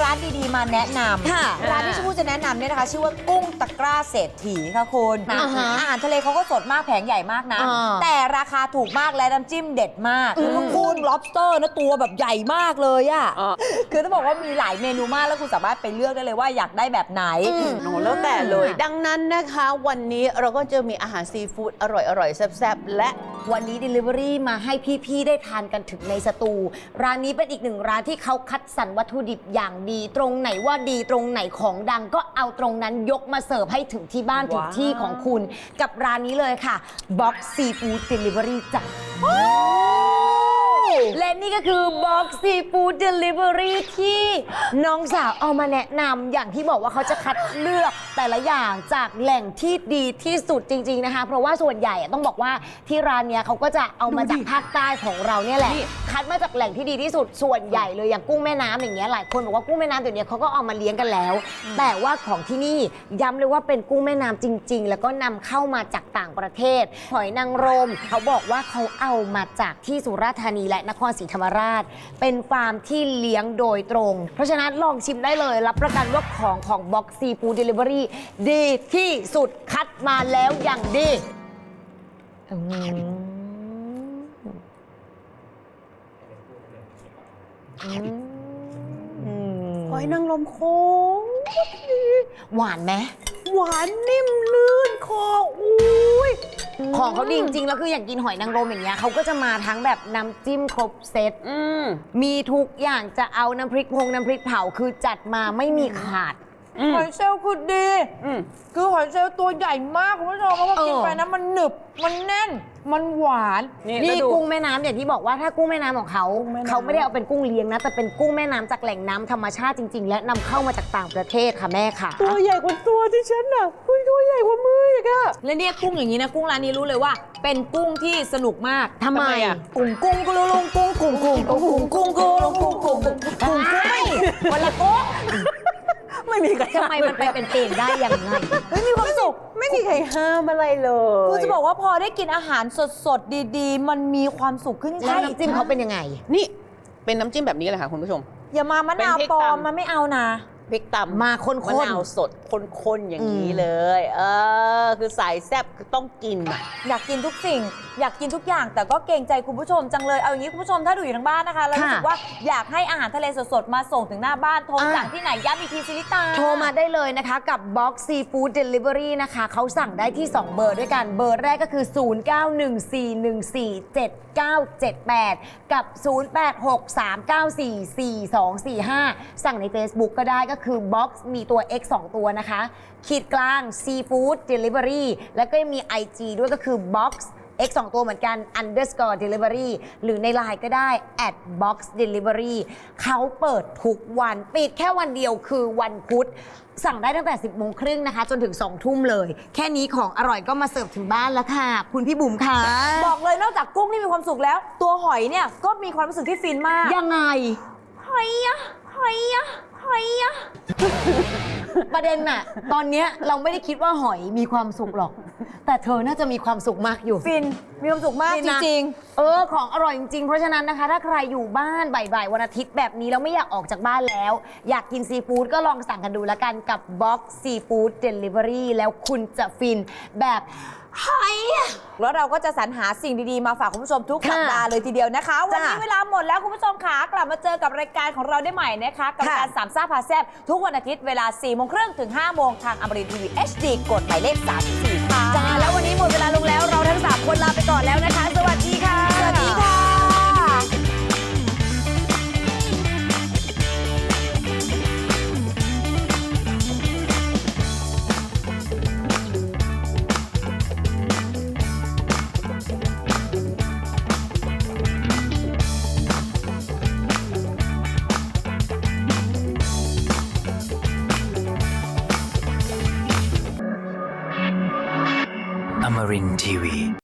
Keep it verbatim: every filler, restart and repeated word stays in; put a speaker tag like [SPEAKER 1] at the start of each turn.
[SPEAKER 1] ร้านดีๆมาแนะนำ
[SPEAKER 2] ค่ะ
[SPEAKER 1] ร้านที่ชมพู่จะแนะนำเนี่ยนะคะชื่อว่ากุ้งตะกร้าเศรษฐีค่ะคุณ
[SPEAKER 2] อ่าฮะ
[SPEAKER 1] อาหารทะเลเขาก็สดมากแผงใหญ่มากนะ
[SPEAKER 2] อ่า
[SPEAKER 1] แต่ราคาถูกมากและน้ำจิ้มเด็ดมากแล้วก็กุ้ง lobster นะตัวแบบใหญ่มากเลยอะ
[SPEAKER 3] อ่า
[SPEAKER 1] คือต้องบอกว่ามีหลายเมนูมากแล้วคุณสามารถไปเลือกได้เลยว่าอยากได้แบบไหน
[SPEAKER 3] โอ้แล้วแต่เลย ดังนั้นนะคะวันนี้เราก็จะมีอาหารซีฟู้ดอร่อยๆแซ่บๆและ
[SPEAKER 2] วันนี้ Delivery มาให้พี่ๆได้ทานกันถึงในสตู ร้านนี้เป็นอีกหนึ่งร้านที่เขาคัดสรรวัตถุดิบอย่างดี ตรงไหนว่าดีตรงไหนของดังก็เอาตรงนั้นยกมาเสิร์ฟให้ถึงที่บ้านถึง
[SPEAKER 3] ว้าว
[SPEAKER 2] ที่ของคุณ กับร้านนี้เลยค่ะ Box Seafood Delivery จ้ะและนี่ก็คือ Box Seafood Delivery ที่น้องสาวเอามาแนะนำอย่างที่บอกว่าเขาจะคัดเลือกแต่ละอย่างจากแหล่งที่ดีที่สุดจริงๆนะคะเพราะว่าส่วนใหญ่อะต้องบอกว่าที่ร้านเนี้ยเขาก็จะเอามาจากภาคใต้ของเราเนี่ยแหละ คัดมาจากแหล่งที่ดีที่สุดส่วนใหญ่เลยอย่างกุ้งแม่น้ำอย่างเงี้ยหลายคนบอกว่ากุ้งแม่น้ำเดี๋ยวนี้เขาก็เอามาเลี้ยงกันแล้ว แต่ว่าของที่นี่ย้ำเลยว่าเป็นกุ้งแม่น้ำจริง ๆ แล้วก็นำเข้ามาจากต่างประเทศหอยนางรมเขาบอกว่าเขาเอามาจากที่สุราษฎร์ธานีและนครศรีธรรมราช เป็นฟาร์มที่เลี้ยงโดยตรง เพราะฉะนั้นลองชิมได้เลยรับประกันว่าของของ Box Seafood Delivery ดีที่สุดคัดมาแล้วอย่างดีอืมอืม
[SPEAKER 3] หอยนางรมโค้ง
[SPEAKER 2] หวานไหม
[SPEAKER 3] หวานนิ่มลื่นคออุ้ย
[SPEAKER 2] ของเขาดีจริงๆ แล้วคืออย่างกินหอยนางรมอย่างเงี้ยเขาก็จะมาทั้งแบบน้ำจิ้มครบเซต
[SPEAKER 3] อืม
[SPEAKER 2] มีทุกอย่างจะเอาน้ำพริกพงน้ำพริกเผาคือจัดมาไม่มีขาด
[SPEAKER 3] อืม
[SPEAKER 1] หอยเชลล์คือดี
[SPEAKER 3] อืม
[SPEAKER 1] คือหอยเชลล์ตัวใหญ่มากคุณผู้ชมแล้วพอกิน
[SPEAKER 2] เออ
[SPEAKER 1] ไปนะมันหนึบมันแน่นมันหวาน
[SPEAKER 3] นี่
[SPEAKER 2] นี่
[SPEAKER 3] แล้วดู
[SPEAKER 2] กุ้งแม่น้ำอย่างที่บอกว่าถ้ากุ้งแม่น้ำของเขา
[SPEAKER 1] กุ้งแม่น้ำ
[SPEAKER 2] เขาไม่ได้เอาเป็นกุ้งเลี้ยงนะ แต่เป็นกุ้งแม่น้ำจากแหล่งน้ำธรรมชาติจริง ๆ และนำเข้ามาจากต่างประเทศค่ะแม่ค่ะ
[SPEAKER 3] ตัวใหญ่กว่าตัวที่ฉันน่ะอุ้ยตัวใหญ่กว่ามืออีกอะ
[SPEAKER 1] และเนี่ยกุ้งอย่างนี้นะกุ้งร้านนี้รู้เลยว่า เป็นกุ้งที่สนุกมาก
[SPEAKER 2] ทำไม
[SPEAKER 3] อะ
[SPEAKER 1] กุ้งกุ้งกุลุลุงกุ้งกุ้งกุ้งกุ้งกุ้งกุ้งกุ้งกุ้งกุ้งกุ้งกุ้งไม่วันละกุ้ง
[SPEAKER 3] ไม่มีใคร
[SPEAKER 2] ทำไมมันไปเป็นเองได้ยังไง
[SPEAKER 1] เฮ้ยมีความสุข
[SPEAKER 3] ไม่มีใครห้ามอะไรเลย
[SPEAKER 1] คือจะบอกว่าพอได้กินอาหารสดๆดีๆ มันมีความสุขขึ้น
[SPEAKER 2] แล้วน้ำจิ้มเขาเป็นยังไง
[SPEAKER 3] นี่เป็นน้ำจิ้มแบบนี้เลยค่ะคุณผู้ชม
[SPEAKER 1] อย่ามามะนาว
[SPEAKER 3] เป็นพริก
[SPEAKER 1] ปลอม
[SPEAKER 3] ตำ
[SPEAKER 1] มันไม่เอานะ
[SPEAKER 3] พริกตำ
[SPEAKER 2] มาข้นๆ
[SPEAKER 3] มะนาวสดข้นๆอย่างนี้
[SPEAKER 2] อืม
[SPEAKER 3] เลย เออ คือสายแซ่บคือต้องกินอ่ะ
[SPEAKER 1] อยากกินทุกสิ่ง อยากกินทุกอย่าง แต่ก็เกรงใจคุณผู้ชมจังเลยเอาอย่างนี้คุณผู้ชมถ้าดูอยู่ทางบ้านนะคะแล้วรู้สึกว่าอยากให้อาหารทะเลสดๆมาส่งถึงหน้าบ้านโทรสั่งที่ไหนย้ำอีกทีซิลิตา
[SPEAKER 2] โทรมาได้เลยนะคะกับ Box Seafood Delivery นะคะเขาสั่งได้ที่ สอง เบอร์ด้วยกัน เบอร์แรกก็คือ ศูนย์ เก้า หนึ่ง สี่ หนึ่ง สี่ เจ็ด เก้า เจ็ด แปด กับ ศูนย์ แปด หก สาม เก้า สี่ สี่ สอง สี่ ห้า สั่งใน Facebook ก็ได้ก็คือ Box มีตัว X สอง ตัวนะคะ ขีดกลาง Seafood Delivery แล้วก็ยังมี ไอ จี ด้วยก็คือ Box X สอง ตัวเหมือนกัน underscore delivery หรือใน ไลน์ ก็ได้ at box delivery เขาเปิดทุกวัน ปิดแค่วันเดียวคือวันพุธ สั่งได้ตั้งแต่ สิบโมงครึ่งนะคะ จนถึง สอง ทุ่มเลย แค่นี้ของอร่อยก็มาเสิร์ฟถึงบ้านแล้วค่ะ คุณพี่บุ๋มค่ะ
[SPEAKER 1] บอกเลยนอกจากกุ้งที่มีความสุขแล้ว ตัวหอยเนี่ยก็มีความรู้สึกที่ฟินมาก
[SPEAKER 2] ยังไง
[SPEAKER 1] หอยอะหอยอะหอยอะ
[SPEAKER 2] ประเด็นน่ะ ตอนเนี้ยเราไม่ได้คิดว่าหอยมีความสุขหรอก แต่เธอน่าจะมีความสุขมากอยู่
[SPEAKER 1] ฟินมีความสุขมาก
[SPEAKER 2] ฟิน
[SPEAKER 1] จ
[SPEAKER 2] นะ
[SPEAKER 1] ริง
[SPEAKER 2] เออ ของอร่อยจริงๆ เพราะฉะนั้นนะคะ ถ้าใครอยู่บ้านบ่ายๆ วันอาทิตย์แบบนี้แล้วไม่อยากออกจากบ้านแล้ว อยากกินซีฟู้ดก็ลองสั่งกันดูแล้วกันกับ Box Seafood Delivery แล้วคุณจะฟินแบบหอยอะ
[SPEAKER 1] ๆ แล้วเราก็จะสรรหาสิ่งดีๆ มาฝากคุณผู้ชมทุก
[SPEAKER 2] ค่ะ
[SPEAKER 1] สัปดาห์เลยทีเดียวนะคะ วันนี้
[SPEAKER 2] จ้ะ
[SPEAKER 1] เวลาหมดแล้วคุณผู้ชมค่ะกลับมาเจอกับรายการของเราได้ใหม่นะคะ กับ
[SPEAKER 2] ค่ะ
[SPEAKER 1] การสามซ่าพาแซบทุกวันอาทิตย์เวลาสี่โมงครึ่งถึงห้าโมงทางอมรินทร์ทีวี เอช ดี กดหมายเลขสามสิบสี่ค่ะ
[SPEAKER 2] จ้าแล้ววันนี้หมดเวลาลงแล้วเราทั้งสามคนลาไปก่อนแล้วนะคะ สวัสดีค่ะ
[SPEAKER 1] สวัสดีค่ะ
[SPEAKER 4] Amarin Tiwi.